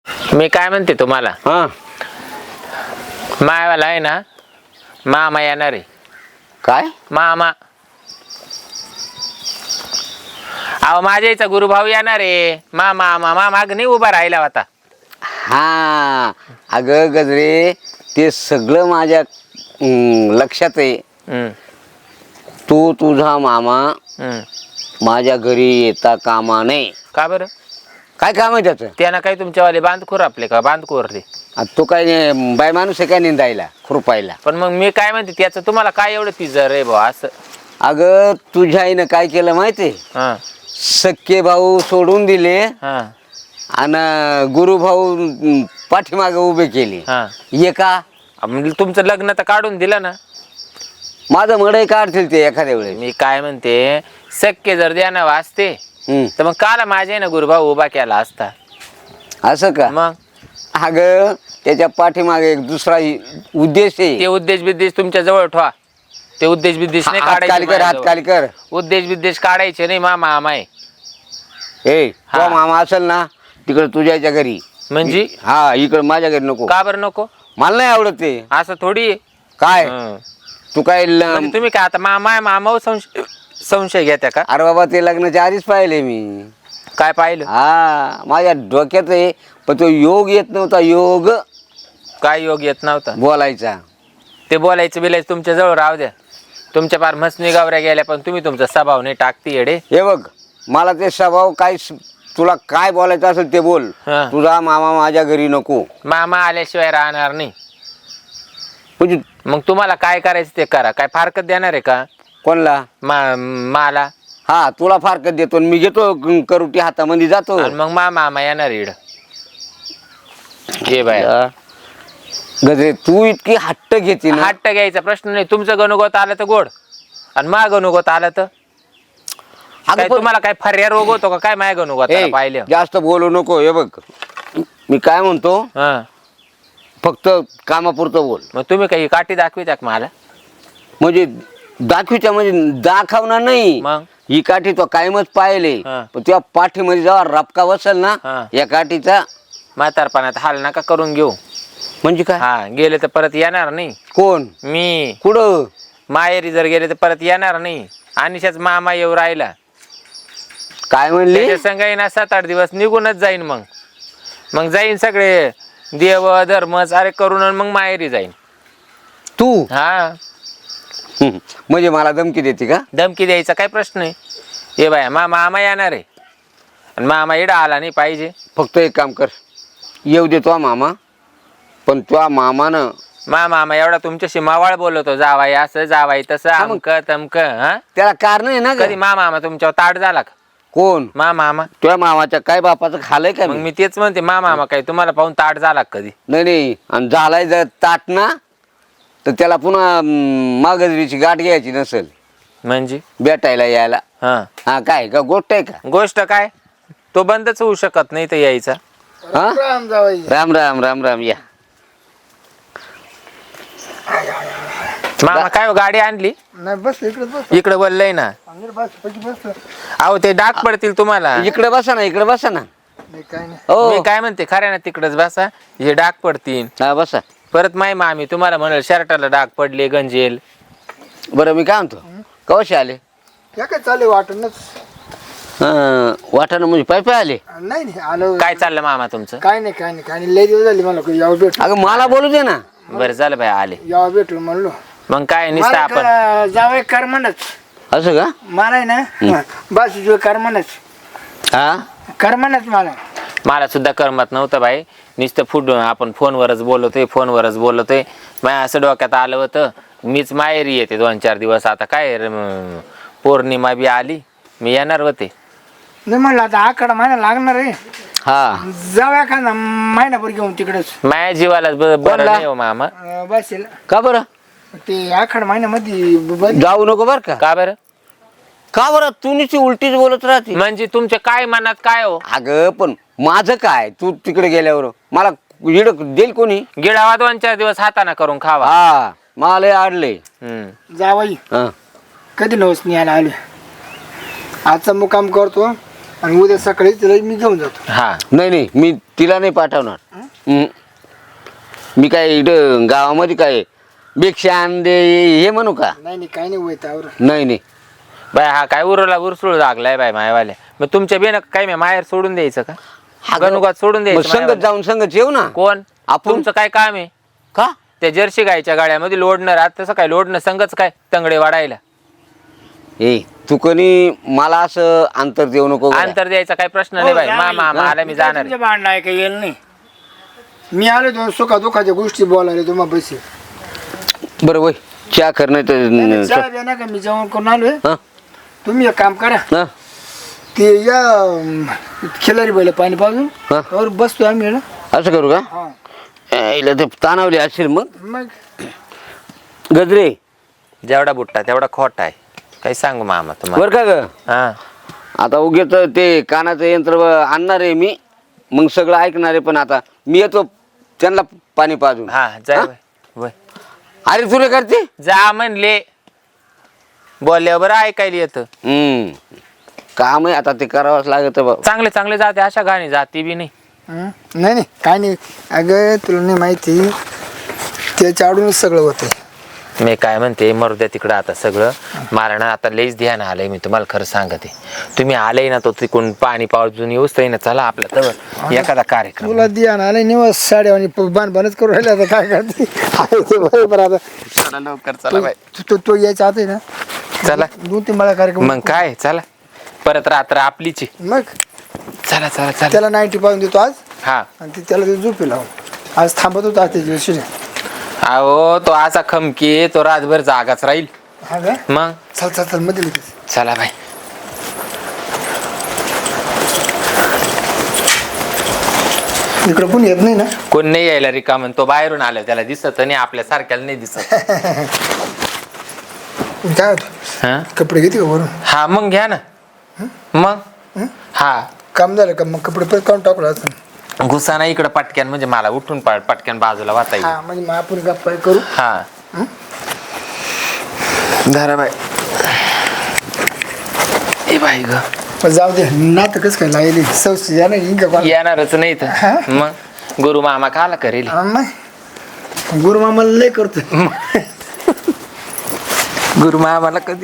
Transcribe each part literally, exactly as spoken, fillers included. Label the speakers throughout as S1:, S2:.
S1: मी काय म्हणते तुम्हाला,
S2: हा
S1: मायावाला आहे ना, मामा येणार आहे.
S2: काय
S1: मामा, अहो माझ्या इथं गुरुभाऊ येणार आहे. मामा मामा माग नाही उभा राहिला होता.
S2: हा अगं गजरे ते सगळं माझ्या हम्म, लक्षात आहे.
S1: हम्म,
S2: तू तुझा मामा
S1: हम्म.
S2: माझ्या घरी येता कामा नये.
S1: का बरं?
S2: काय काम आहे त्याचं?
S1: त्यानं काही तुमच्यावाले बांधखोर आपले का बांधखोरले?
S2: आता तो काय नाही, बाय माणूस आहे काय निंदायला खुरपायला?
S1: पण मग मी काय म्हणते, त्याचं तुम्हाला काय एवढं पिझर रे भाऊ असं?
S2: अगं तुझ्या आईनं काय केलं माहितीये?
S1: हा
S2: सक्के भाऊ सोडून दिले
S1: हा
S2: आणि गुरुभाऊ पाठीमागे उभे केले.
S1: हा.
S2: ये का
S1: म्हणजे तुमचं लग्न तर काढून दिलं ना.
S2: माझं मडई काढतील ते एखाद्या वेळेस.
S1: मी काय म्हणते, शक्य जर द्यानं वाचते
S2: हम्म.
S1: तर मग काला माझ्या ना गुरुभाऊ उभा केला असता.
S2: असं का?
S1: मग
S2: अगं त्याच्या पाठीमागे एक दुसरा उद्देश
S1: ते
S2: आहे.
S1: उद्देश बिद्देश तुमच्या जवळ ठेवा. ते उद्देश बिद्देश नाही
S2: हात खाली
S1: काढायचे
S2: कर, हात
S1: माझ्याजवळ.
S2: खाली कर.
S1: उद्देश बिद्देश काढायचे नाही. मा मामा आहे.
S2: ए
S1: हा.
S2: तो मामा असेल ना तिकडे तुझ्याच्या घरी.
S1: म्हणजे
S2: हा इकडे माझ्या घरी नको.
S1: का बरं नको?
S2: मला नाही आवडत ते.
S1: असं थोडी आहे.
S2: काय
S1: हं.
S2: तू काय ल-
S1: म्हणजे तुम्ही काय आता मामा आहे, मामावर संशय संशय घेत्या का?
S2: अरे बाबा ते लग्नाच्या आधीच पाहिले मी.
S1: काय पाहिलं?
S2: हा माझ्या डोक्यात आहे पण तो योग येत नव्हता. योग
S1: काय योग येत नव्हता?
S2: बोलायचा.
S1: ते बोलायचं बिलायचं तुमच्या जवळ राहू द्या. तुमच्या पार मसनी गावऱ्या गेल्या, पण तुम्ही तुमचा स्वभाव नाही टाकती येडे.
S2: हे बघ मला ते स्वभाव काय तुला काय बोलायचं असेल ते बोल.
S1: हा.
S2: तुझा मामा माझ्या घरी नको.
S1: मामा आल्याशिवाय राहणार नाही.
S2: म्हणजे
S1: मग तुम्हाला काय करायचं ते करा. काय फारकत देणार आहे का
S2: कोणला?
S1: मा मला?
S2: हा तुला फारकत देतो आणि मी घेतो क- करुटी हातामध्ये जातो.
S1: आणि मग मा मामा येणार इड. ये बाय,
S2: गजरे तू इतकी हट्ट घेते ना.
S1: हट्ट घ्यायचा प्रश्न नाही. तुमचं गणुगोत आलं तर गोड, आणि मा गणुगोत आलं तर
S2: अगं
S1: काय?
S2: पण-
S1: तुम्हाला काय फर्या रोग होतो का काय माय गणुगोत
S2: ए,
S1: पाहिलं?
S2: जास्त बोलू नको. हे बघ मी काय म्हणतो
S1: हा.
S2: फक्त कामापुरतं बोल.
S1: मग तुम्ही काही काठी दाखविता का मला?
S2: म्हणजे दाखवीच्या म्हणजे दाखवणार नाही.
S1: मग
S2: ही काठी तो कायमच पाहिले.
S1: हा.
S2: पण तुझ्या पाठीमध्ये जेव्हा रपका बसेल ना
S1: हा.
S2: या काठीचा
S1: म्हातारपणात हाल नका करून घेऊ.
S2: म्हणजे काय?
S1: हा, गेले तर परत येणार नाही.
S2: कोण?
S1: मी
S2: कुठं?
S1: माहेरी जर गेले तर परत येणार नाही. आणिशाच मामा येऊ राहिला.
S2: काय म्हणले?
S1: त्याच्या संग ना सात आठ दिवस निघूनच जाईन. मग मग जाईन सगळे देव धर्म सारे करून आणि मग माहेरी जाईन.
S2: तू
S1: हा,
S2: म्हणजे मला धमकी देते का?
S1: धमकी द्यायचा काय प्रश्न आहे? हे बाया मा मामा येणार आहे आणि मामा इडा आला नाही पाहिजे.
S2: फक्त एक काम कर, येऊ देतो मामा, पण तुझ्या मामानं
S1: मा मामा एवढा तुमच्याशी मावाळ बोलवतो, जावाई असं जावाई तसं
S2: मग-
S1: अमक तमक. हा,
S2: त्याला कारण आहे ना ग.
S1: कधी मा मामा तुमच्यावर ताट झाला का?
S2: कोण?
S1: मा मामा.
S2: तुझ्या मामाच्या काय बापाचं खालय का
S1: मग
S2: मी?
S1: मी तेच म्हणते, मा मामा काय तुम्हाला पाहून ताट झाला का कधी?
S2: नाही नाही. आणि झालाय जर ताट ना तर त्याला पुन्हा मागजरीची गाठ घ्यायची नसेल
S1: म्हणजे
S2: भेटायला यायला.
S1: हा,
S2: हा काय का गोष्ट आहे का?
S1: गोष्ट काय? तो बंदच होऊ शकत नाही तर यायचा.
S2: हा?
S3: राम जावई.
S2: राम राम राम राम या.
S1: मामा काय हो, गाडी आणली
S3: नाही बस इकडे बस.
S1: इकडे बोललंय ना.
S3: अंदर बस पैकी बस.
S1: अहो ते डाग पडतील तुम्हाला.
S2: इकडे बसा ना, इकडे बसा ना.
S3: नाही काय नाही.
S2: हो
S1: मी काय म्हणते, खऱ्या ना तिकडच बसा. हे डाग पडतील
S2: हा बसा.
S1: परत. माय मामी तुम्हाला म्हणाल शर्टाला डाग पडले गंजेल.
S2: बरं मी काय म्हणतो, कवशे आले?
S3: काय काय चालू वाटणच.
S2: वाटाणं म्हणजे पाय पाय आले?
S3: नाही नाही आलो.
S1: काय चाललं मामा तुमचं?
S3: काय नाही काय नाही काय नाही. लय दिवस झाले मला कोणी यावं भेटलो.
S2: अगं मला बोलू दे ना.
S1: बरं झालं बाई आले.
S3: यावं भेटलो म्हणलो.
S1: मग काय नुसतं
S3: मला
S1: आपण
S3: का- जावई कर म्हणच.
S2: असं का?
S3: मला आहे ना बस जो कर म्हणच.
S2: हा
S3: कर म्हणच मला.
S1: मला सुद्धा करमत नव्हतं बाई. नुसतं फुट आपण फोनवरच बोलतोय फोनवरच बोलतोय. माझ्या असं डोक्यात आलं होतं मीच माहेरी येते दोन चार दिवस. आता काय रम- पौर्णिमा बी आली, मी येणार होते.
S3: नाही म्हणलं आता आकडा महिना लागणार आहे.
S2: हा
S3: जाऊया का ना महिनाभर घेऊन तिकडेच.
S1: माझ्या जीवाला ब- बरं
S2: बोलला?
S1: नाही हो मामा.
S3: अं, बस येईल.
S2: का बरं?
S3: ते आखाड महिन्यामध्ये बंद.
S2: जाऊ नको बर का?
S1: का बरं?
S2: का बरं तू नुसती उलटीच बोलत राहते?
S1: म्हणजे तुमच्या काय मनात काय हो?
S2: अगं पण माझं काय, तू तिकडे गेल्यावर मला इड देईल कोणी?
S1: गिळावा दोन चार दिवस हाताना करून खावा.
S2: हा मला लय आडले.
S1: हम्म.
S3: जावई
S2: हा
S3: कधी नवस नाही आला आले. आजचा मुक्काम करतो आणि उद्या सकाळी तिला मी घेऊन जातो.
S1: हा
S2: नाही नाही मी तिला नाही पाठवणार. हं. मी काय इथं गावामध्ये काय भिक्षा दे हे म्हणू का?
S3: नाही नाही काही नाही होत आवर.
S2: नाही नाही
S1: बाय हा काय उरला उरसूळ लागलाय बाय मायवाले. मग तुमच्या बेन काय मी माहेर सोडून द्यायचं का? गणुगात सोडून
S2: मग
S1: द्यायचं
S2: संगत
S1: मायवाले?
S2: जाऊन संगत येऊ ना.
S1: कोण
S2: आपण
S1: तुमचं काय काम आहे?
S2: का
S1: त्या जर्सी गायच्या गाड्यामध्ये लोडणं राहत तसं काय लोडणं संगच काय तंगडे वाढायला
S2: ए तू कोणी मला असं अंतर देऊ नको गड्या.
S1: अंतर द्यायचा काय प्रश्न नाही बाई. मामा मला मी जाणार आहे.
S3: भांडणं आहे काही येईल नाही. मी आलो दोन सुखा दुखाच्या गोष्टी बोलायला तुम्हाला पैसे.
S2: बरं वय चहा कर नाही तर
S3: चहा द्या ना का मी जेवण करून आलोय.
S2: हं?
S3: तुम्ही एक काम करा
S2: हं?
S3: ते या अं, खिलारी बैल पाणी पाजून
S2: हा.
S3: त्यावर बसतो आम्ही ना.
S2: असं करू का?
S3: हा
S2: ए, हिला ते तानावली असेल मग.
S3: मग
S2: गजरे
S1: जेवढा बुट्टा तेवढा खोटा आहे. काही सांगू मामा तुम्हाला.
S2: बर का ग
S1: हा
S2: आता उगेच ते कानाचं यंत्र आणणार आहे मी मग सगळं ऐकणार आहे. पण आता मी येतो त्यांना पाणी पाजून.
S1: हा जाय
S2: हा?
S1: बाई. वय.
S2: अरे तुला करते.
S1: जा म्हणले बोलल्यावर बरं ऐकायला येतं.
S2: हम्म काम आहे आता ते करावंच लागत बाबा.
S1: चांगले चांगले जाते अशा गाणी जाती बी नाही.
S3: हं? नाही नाही काय नाही. अगं तुला नाही माहिती त्याच्या आडूनच सगळं होतं.
S1: मी काय म्हणते मरू द्या तिकडं आता सगळं. मला ना आता लईच ध्यान आलंय. मी तुम्हाला खरं सांगते. तुम्ही आले ना तो तिकडून पाणी पावजून येऊच ना चला आपल्या तर एखादा कार्यक्रम.
S3: तुला दिया ना आले निवास साड्या आणि बाण बाणच करून राहिले आता काय करते. आहे ते बरोबर आता
S1: चला लवकर चला बाई.
S3: तो- तो तो यायचा आता आहे ना
S1: चला
S3: दोन तीन मला कार्यक्रम.
S1: मग काय चला परत रात्र आपलीची.
S3: मग
S1: चला चला चला.
S3: त्याला नाईन्टी पाहून देतो आज
S1: हा
S3: आणि ते त्याला ते झोपी लावून आज थांबत होता आज त्याच्या दिवशी.
S1: अहो तो असा खमकी तो रातभर जागाच राहील.
S3: हा का
S1: मग
S3: चल चल चल मध्ये लगेच.
S1: चला बाई.
S3: इकडं पण येत नाही ना.
S1: कोण नाही यायला रिकाम. तो बाहेरून आला त्याला दिसत नाही आपल्या सारख्याला नाही दिसत.
S3: काय होतं
S1: हा
S3: कपडे घेते का वरून.
S1: हा मग घ्या ना. मग हा
S3: काम झालं का मग कपडे परत काढून टाकलं असं.
S1: घुसा ना इकडं पटक्यान म्हणजे मला उठून पा- पटक्यान बाजूला वाता येईल.
S3: हा म्हणजे मग आपण गप्पा करू.
S1: हा धरा बाई. ए बाई ग
S3: पण जाऊ दे नातं कसं काय लागेल सौशी जा नाही का कोण.
S1: येणारच नाही तर मग गुरु मामा खाला करेल.
S3: गुरु मामाला लय करतो.
S1: गुरु मामाला कधी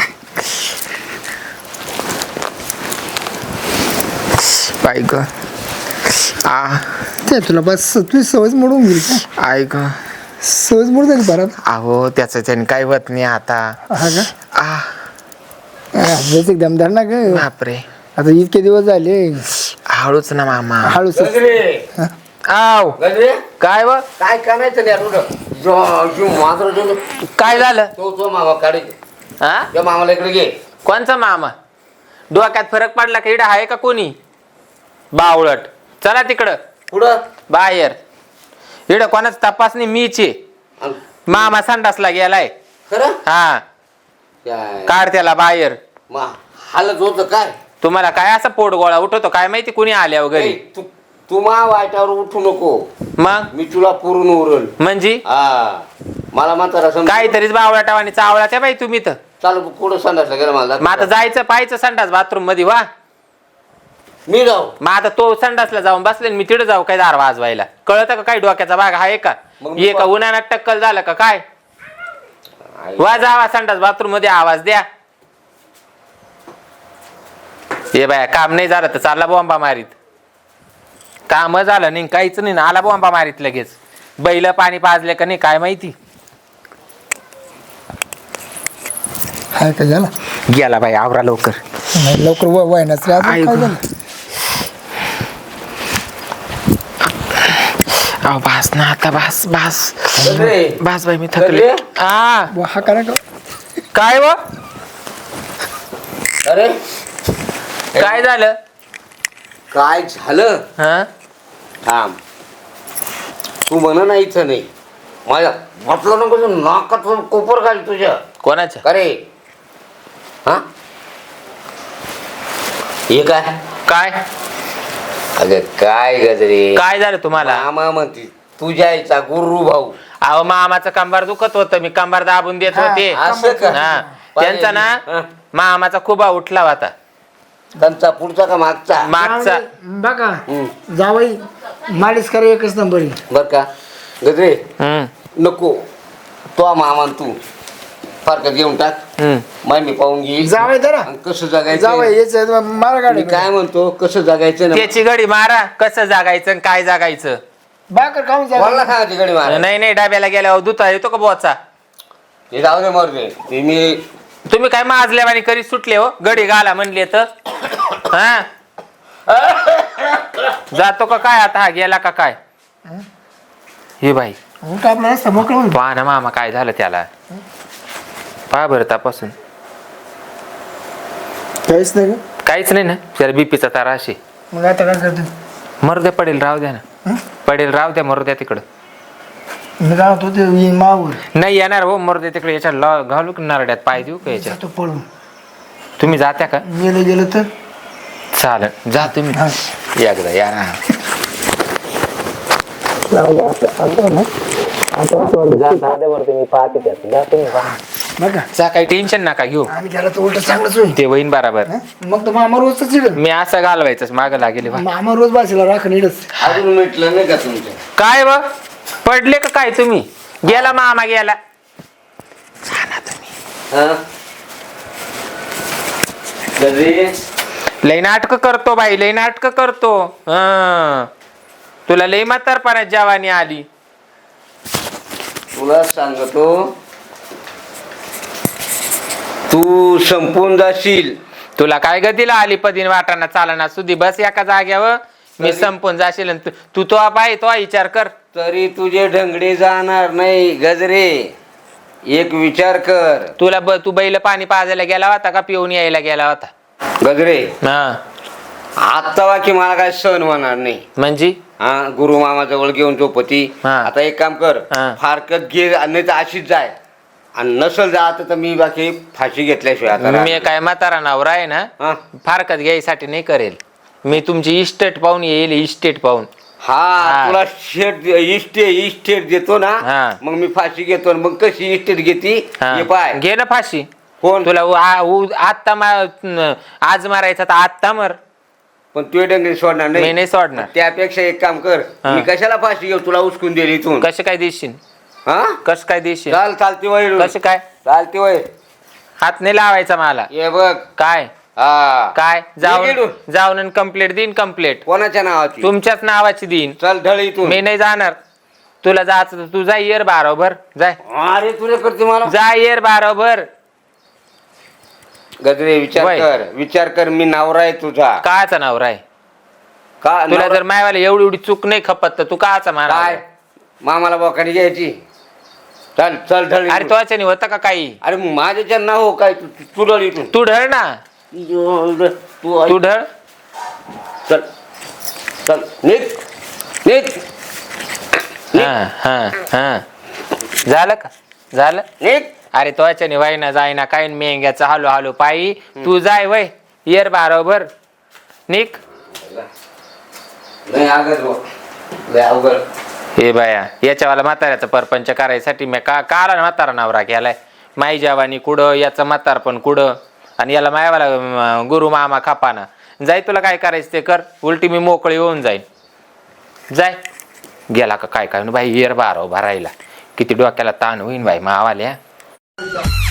S1: बाई ग आ
S3: ते तुला बस तुझी सवयच मोडून गेली का.
S1: आई ग
S3: सवयच मोड झाली परत.
S1: अहो त्याचं त्याने काही होत नाही आता.
S3: हा का
S1: आ
S3: जस एकदम धर ना ग.
S1: बापरे
S3: आता इतके दिवस झाले
S1: हळूच ना मामा.
S3: हळूच.
S1: आव
S2: गजरे
S1: काय व
S2: काय करायचं नाही तुझं. जो- जो मात्र जो-
S1: काय झालं
S2: तो तो मामा काढे
S1: हा
S2: त्या मामाला इकडे घे.
S1: कोणचा मामा डोक्यात फरक पडला का इडं आहे का कोणी बावळट. चला तिकडं
S2: पुढं
S1: बाहेर. इडं कोणाच तपासणी मीचे.
S2: अन-
S1: मामा संडासला गेलाय.
S2: खरं
S1: हा
S2: काय
S1: काढ त्याला बाहेर.
S2: मा हालत होतं काय.
S1: तुम्हाला काय असं पोट गोळा उठवतो काय माहिती कुणी आल्या वगैरे.
S2: ए, तू तू मा वाईटावर उठू नको.
S1: मग
S2: मी तुला पुरून उरल.
S1: म्हणजे
S2: हा मला म्हातारा समज
S1: काहीतरीच बावळाटा आणि चावळाच्या बाई तुम्ही तर.
S2: चालू कुठं संडासला गेला मला
S1: मग आता जायचं पाहायचं संडास बाथरूम मध्ये वा.
S2: मी जाऊ.
S1: मग आता तो संडासला जाऊन बसले मी तिकडे जाऊ काय दार वाजवायला. कळत का काय डोक्याचा भाग आहे का.
S2: मग मी
S1: ये का उन्हाळ्यात टक्कल झालं का काय. वा जावा संडास बाथरूम मध्ये आवाज द्या. हे बाया काम नाही झालं तर चालला बॉम्बा मारीत. काम झालं नाही काहीच नाही ना आला बॉम्बा मारीत लगेच. बैल पाणी पाजले का नाही काय माहिती.
S3: हाय का झाला
S1: गेला बाई आवरा लवकर.
S3: नाही लवकर वय वयनाच रे अजून
S1: आई
S3: काय
S1: गं.
S3: झालं.
S1: अहो बास ना आता बास बास
S2: गजरे,
S1: बास बाई मी थकले.
S2: गजरे.
S1: आ
S3: वा, हा करा का
S1: काय व
S2: अरे
S1: काय झालं
S2: काय झालं.
S1: हा
S2: थांब तू म्हण ना इथं नाही माझ्या म्हटलं नको तू नाकात कोपर घाल तुझ्या.
S1: कोणाच्या
S2: अरे हा हे काय
S1: काय
S2: अगं काय गजरे
S1: काय झालं तुम्हाला.
S2: मामा म्हणते तुझ्या आईचा गुरु भाऊ.
S1: अहो मामाचं कंबार दुखत होतं मी कंबार दाबून देत होते.
S2: असं का?
S1: हा त्यांचा ना
S2: हा.
S1: मामाचा खुबा उठला होता.
S2: त्यांचा पुढचा का मागचा
S1: मागचा
S3: बघा
S2: हम्म.
S3: जावई मालिश करा एकच नंबर आहे.
S2: बर का गजरे
S1: हम्म
S2: नको तो मामान तू फारकत घेऊन टाक
S1: हम्म
S2: माय मी पाहून घेईल
S3: जावई जरा
S2: आणि कसं जगायचं
S3: जावई याच मारा
S2: मी
S3: गाडी
S2: काय म्हणतो कसं जगायचं ना
S1: त्याची गडी मारा कसं जागायचं आणि काय जागायचं
S3: बाकर खाऊन
S2: कोणाला
S3: जा
S2: सांगायची गडी मारा
S1: नाही नाही डाब्याला गेल्यावर दुता येतो का बोचा
S2: ते जाऊ दे मर दे ते मी
S1: तुम्ही काय माजल्यावानी करी सुटले हो गडी घाला म्हणले तर हा जातो का काय आता हा गेला का काय हे बाई
S3: उलट आपला रस्ता मोकळा होईल.
S1: पहा ना मामा काय झालं त्याला पहा बरं तपासून
S3: काहीच नाही का?
S1: काहीच नाही ना त्याला बीपीचा तारा अशी
S3: मग आता काय करतो
S1: मरू द्या पडेल राहू द्या ना
S3: हं?
S1: पडेल राहू द्या मरू द्या तिकडं
S3: मी काय होतो ते येईन मावर
S1: नाही येणार हो मरू द्या तिकडे याच्या लॉ घालू की नारड्यात पाय देऊ का याच्या
S3: जातो पळून
S1: तुम्ही जात्या का
S3: गेलं गेलं तर
S1: चालेल जा तुम्ही
S3: हा.
S1: एकदा या ना
S3: बघा
S1: जा काही टेन्शन नका घेऊ
S3: आम्ही त्याला तर उलट चांगलंच होईल
S1: ते होईन बराबर
S3: हं? मग तर मामा रोजच चिड
S1: मी असं घालवायचं माग लागेल बा.
S3: मामा रोज बाशीला राखण इडच
S2: अजून मिटलं नाही का तुमचं
S1: काय व पडले का काय तुम्ही गेला मामा गेला
S2: हा गजरे
S1: लई नाटक करतो बाई लई नाटक करतो हं. तुला लई म्हातारपणात जवानी आली
S2: तुला सांगतो तू संपून जाशील
S1: तुला काय गतीला आली पदीन वाटाणा चालना सुधी बस एका जाग्यावर मी
S2: तरी-
S1: संपून जाशील आणि तू तू तो बाई तो विचार कर
S2: तरी तुझे ढंगडे जाणार नाही गजरे एक विचार कर
S1: तुला ब तू बैल पाणी पाजायला गेला होता का पिऊन यायला गेला होता
S2: गजरे
S1: हा
S2: आता वाकी मला काय सहन होणार नाही
S1: म्हणजे
S2: हा गुरु मामा जवळ घेऊन झोपती
S1: हा.
S2: आता एक काम कर
S1: हा.
S2: फारकत घे नाही तर अशीच जाय आणि नसल जात तर मी बाकी फाशी घेतल्याशिवाय आता
S1: मी
S2: राहणार.
S1: काय म्हातारा नवरा आहे ना
S2: हा
S1: फारकत घ्यायसाठी नाही करेल मी तुमची इस्टेट पाहून येईल इस्टेट पाहून
S2: हा
S1: हा.
S2: तुला शेट इस्टेट इस्टेट देतो ना
S1: हा.
S2: मग मी फाशी घेतो आणि मग कशी इस्टेट घेती
S1: हा.
S2: हे पाय
S1: घे ना फाशी
S2: कोण
S1: तुला उ- आ- उ- आत्ता मा- आज मारायचा तर आत्ता मर
S2: पण तू डंगरी सोडणार
S1: मी
S2: नाही
S1: नाही सोडणार
S2: त्यापेक्षा एक काम कर
S1: हा.
S2: मी कशाला फाशी घेऊ तुला उचकून दिली इथून
S1: कसं काय देशील
S2: हा
S1: कसं काय देशील
S2: चाल चालती वय
S1: कसं काय
S2: चालती वय
S1: हात नाही लावायचा मला
S2: ये बघ
S1: काय
S2: हा
S1: काय
S2: ये
S1: जाऊन
S2: गेलो.
S1: जाऊन कंप्लेंट देईन कंप्लेंट
S2: कोणाच्या नावाची
S1: तुमच्याच नावाची देईन
S2: चल ढळ इथून
S1: मी नाही जाणार तुला जायचं तर तू जा येर बारोबर जाय
S2: अरे तुला करते मला
S1: जा येर बारोबर
S2: गजरे विचार
S1: वय.
S2: कर विचार कर मी नवरा आहे तुझा
S1: काचा नवरा आहे
S2: का
S1: तुला
S2: नवरा-
S1: जर मायवाला एवढी एवढी चूक नाही खपत तर तू काचा मारा
S2: काय मामाला बोकाडी घ्यायची चल चल ढळ
S1: अरे
S2: इथून.
S1: तो होता का काही
S2: अरे माझ्या ना हो काय तू तू- तू ढळ इथून
S1: तू ढळ ना
S2: तू
S1: तू ढळ
S2: चल चल निघ निघ
S1: हा हा हा झालं का झालं
S2: निघ
S1: अरे तो वाईना जायना काय मेंग्याचा हालो हालो पायी तू जाय वय येर बारोबर निक
S2: नाही अगद भाऊ. लय अवघड
S1: हे बाया याच्यावाला म्हाताऱ्याचा परपंच करायसाठी मी का काला म्हातारा नवरा केलाय माई जवानी कुडं याचं म्हातार पण कुडं आणि याला मायावाला अं, गुरु मामा खापाना जाय तुला काय करायचं ते कर उलटी मी मोकळी होऊन जाईन जाय गेला का काय काय बाई येर बारो भरायला किती डोक्याला ताण होईन बाई मावाल्या